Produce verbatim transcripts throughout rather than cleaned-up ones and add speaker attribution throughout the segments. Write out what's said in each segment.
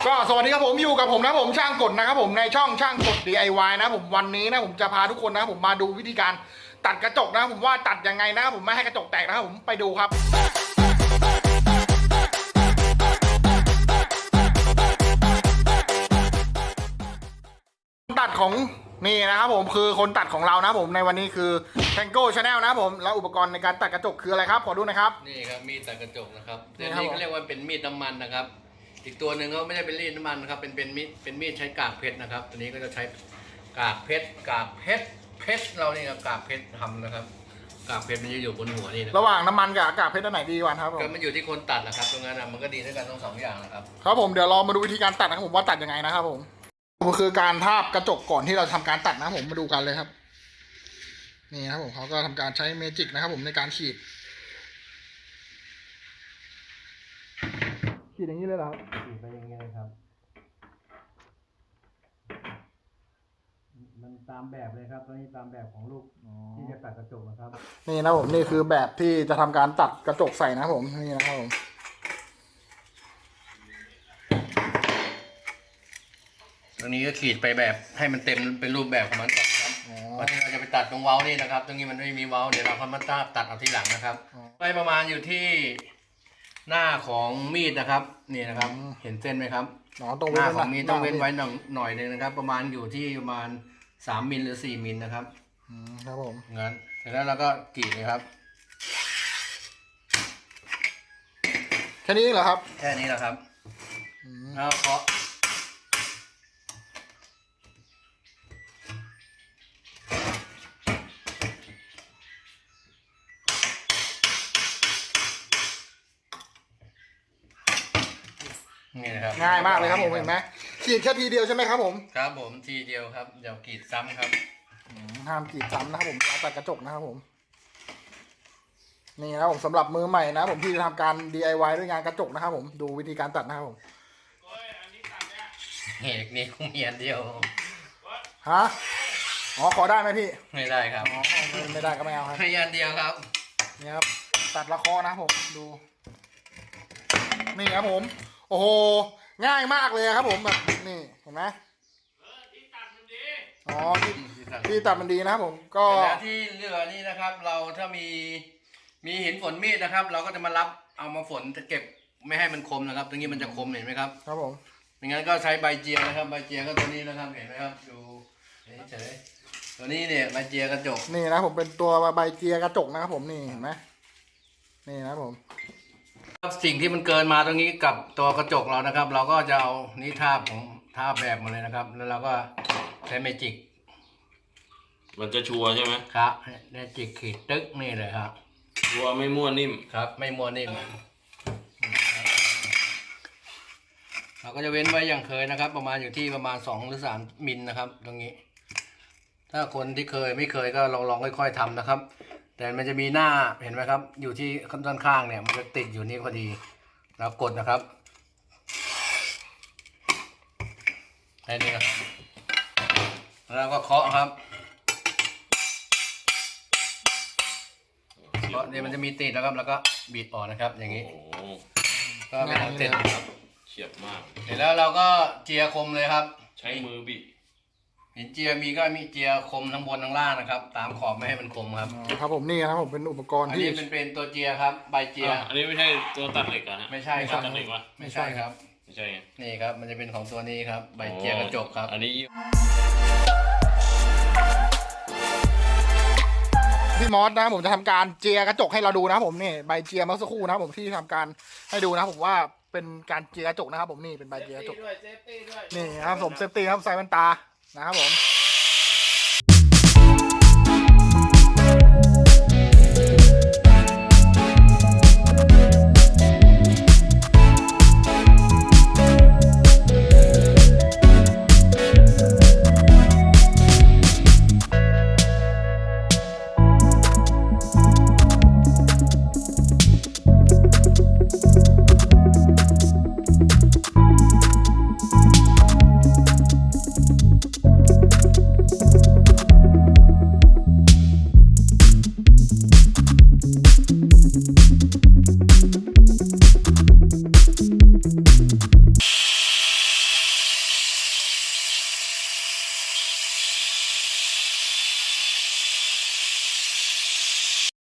Speaker 1: ก็สวัสดีครับผมอยู่กับผมนะผมช่างกดนะครับผมในช่องช่างกด ดี ไอ วาย นะผมวันนี้นะผมจะพาทุกคนนะผมมาดูวิธีการตัดกระจกนะผมว่าตัดยังไงนะครับผมไม่ให้กระจกแตกนะครับผมไปดูครับตัดของนี่นะครับผมคือคนตัดของเรานะผมในวันนี้คือ Tango Channel นะผมแล้วอุปกรณ์ในการตัดกระจกคืออะไรครับขอดูนะครับ
Speaker 2: นี่ครับมีดตัดกระจกนะครับตัวนี้เขาเรียกว่าเป็นมีดน้ำมันนะครับอีกตัวหนึ่งก็ไม่ได้เป็นมีดน้ำมันนะครับเป็นเป็นมีดเป็นมีดใช้กากเพชรนะครับตัวนี้ก็จะใช้กากเพชรกากเพชรเพชรเรานี่ครับกากเพชรทำนะครับกากเพชรมันจะอยู่บนหัวนี่นะ
Speaker 1: ระหว่างน้ำมันกับอากาศเพชรอันไหนดีกว่าครับผม
Speaker 2: ก็มันอยู่ที่คนตัดนะครับตรงนั้นนะมันก็ดีด้วยกันทั้งสองอย่างนะครับ
Speaker 1: ครับผมเดี๋ยวเรามาดูวิธีการตัดนะครับผมว่าตัดยังไงนะครับผมก็คือการทาบกระจกก่อนที่เราทำการตัดนะผมมาดูกันเลยครับนี่ครับผมเขาก็ทำการใช้เมจิกนะครับผมในการขีดขีดอย่างนี้เลยเหรอครับ
Speaker 2: ขีดไปอย่างนี้เลยครับมันตามแบบเลยครับตอนนี้ตามแบบของลูกที่จะตัดกระจกนะครับ
Speaker 1: นี่นะผมนี่คือแบบที่จะทำการตัดกระจกใส่นะผมนี่นะครับผม
Speaker 2: ตรงนี้ก็ขีดไปแบบให้มันเต็มเป็นรูปแบบของมันก่อนครับวันนี้เราจะไปตัดตรงเว้านี่นะครับตรงนี้มันไม่มีเว้าเดี๋ยวเราค่อยมาตัดตัดเอาทีหลังนะครับไปประมาณอยู่ที่หน้าของมีดนะครับนี่นะครับเห็นเส้นไหมครับหน้าของมีดต้องเว้นไว้หน่อยหน่อยนึงนะครับประมาณอยู่ที่ประมาณสามมิลหรือสี่มิลนะครับ
Speaker 1: ครับผม
Speaker 2: งั้นเสร็จแล้วเราก็กรีดเลยครับ
Speaker 1: แค่นี้เหรอครับ
Speaker 2: แค่นี้แหละครับแล้วเคาะนี่นะครับ
Speaker 1: ง่ายมากเลยครับผมเห็นไหมขีดแค่ทีเดียวใช่ไหมครับผม
Speaker 2: ครับผมทีเดียวครับเดี๋ยวกรีดซ้ำครับ
Speaker 1: ห้ามกรีดซ้ำนะครับผมตัดกระจกนะครับผมนี่นะผมสำหรับมือใหม่นะผมที่จะทำการ ดี ไอ วาย ด้วยงานกระจกนะครับผมดูวิธีการตัดนะครับผม
Speaker 2: เฮ้ยนี่คงมีอันเดียว
Speaker 1: ฮะอ๋อขอได้ไหมพี่
Speaker 2: ไม่ได้ครับ
Speaker 1: อ๋อไม่ได้ก็ไม่เอาครับ
Speaker 2: ให้อันเดียวครับ
Speaker 1: นี่ครับตัดละคอนะผมดูนี่ครับผมโอ้โหง่ายมากเลยครับผมแบบนี่เห็นไหมที่ตัดมันดีอ๋อที่ที่ตัดมันดีนะครับผมก็
Speaker 2: ที่เหลือนี่นะครับเราถ้ามีมีหินฝนมีดนะครับเราก็จะมารับเอามาฝนจะเก็บไม่ให้มันคมนะครับตรงนี้มันจะคมเห็นไหมครับ
Speaker 1: ครับผม
Speaker 2: ไม่งั้นก็ใช้ใบเจียนะครับใบเจียก็ตัวนี้นะครับเห็นไหมครับดูเฉยๆตัวนี้เนี่ยใบเจียกระจก
Speaker 1: นี่นะผมเป็นตัวใบเจียกระจกนะครับผมนี่เห็นไหมนี่นะผม
Speaker 2: สิ่งที่มันเกินมาตรงนี้กับตัวกระจกเรานะครับเราก็จะเอานี่ทาบของทาบแบบมาเลยนะครับแล้วเราก็ใช้เมจิก
Speaker 3: มันจะชัวร์ใช่ไหม
Speaker 2: ครับเมจิกขีดตึ๊กนี่เลยครับ
Speaker 3: ชัวร์ไม่ม้วนนิ่ม
Speaker 2: ครับไม่ม้วนนิ่มเราก็จะเว้นไว้อย่างเคยนะครับประมาณอยู่ที่ประมาณสองหรือสามมิลนะครับตรงนี้ถ้าคนที่เคยไม่เคยก็ลองลองค่อยๆทำนะครับแต่มันจะมีหน้าเห็นไหมครับอยู่ที่ด้านข้างเนี่ยมันจะติดอยู่นี่พอดีเรากดนะครับแค่นี้ครับแล้วก็เคาะครับเคาะเนี่ยมันจะมีติดแล้วครับแล้วก็บีบออกนะครับอย่างนี้ก็เป็นอันเสร็จครับ
Speaker 3: เฉียบมาก
Speaker 2: เสร็จแล้วเราก็เจียคมเลยครับ
Speaker 3: ใช้มือบีบ
Speaker 2: หินเจียมีก็มีเจียคมทั้งบนทั้งล่างนะครับตามขอบไม่ให้มันคมครับ
Speaker 1: ครับผมนี่ครับผมเป็นอุปกรณ์ที่
Speaker 2: อันนี้เป็นเป็นตัวเจียครับใบเจีย
Speaker 3: อันนี้ไม่ใช่ตัวตัดเหล็กนะ
Speaker 2: ไม่ใช่ครับ
Speaker 3: ตัดเหล็กวะ
Speaker 2: ไม่ใช่ครับ
Speaker 3: ไม่ใช่
Speaker 2: นี่ครับมันจะเป็นของตัวนี้ครับใบเจียกระจกครับ
Speaker 3: อันนี้
Speaker 1: พี่มอสนะผมจะทำการเจียกระจกให้เราดูนะผมนี่ใบเจียเมื่อสักครู่นะผมที่ทำการให้ดูนะผมว่าเป็นการเจียกระจกนะครับผมนี่เป็นใบเจียกระจกนี่ครับผมเซฟตี้ครับใส่แว่นตานะครับผม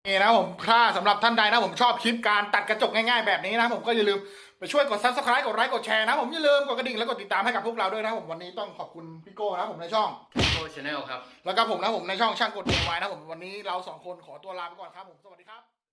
Speaker 1: นี่นะผมถ้าสำหรับท่านใดนะผมชอบคลิปการตัดกระจกง่ายๆแบบนี้นะผมก็อย่าลืมไปช่วยกด ซับสไครบ์ กดไลค์กดแชร์นะผมอย่าลืมกดกระดิ่งแล้วกดติดตามให้กับพวกเราด้วยนะผมวันนี้ต้องขอบคุณพี่โก้นะผมในช่อง
Speaker 2: โก้ชาแนลครับ
Speaker 1: แล้วก็ผมนะผมในช่องช่างกดเดวายนะผมวันนี้เราสองคนขอตัวลาไปก่อนครับผมสวัสดีครับ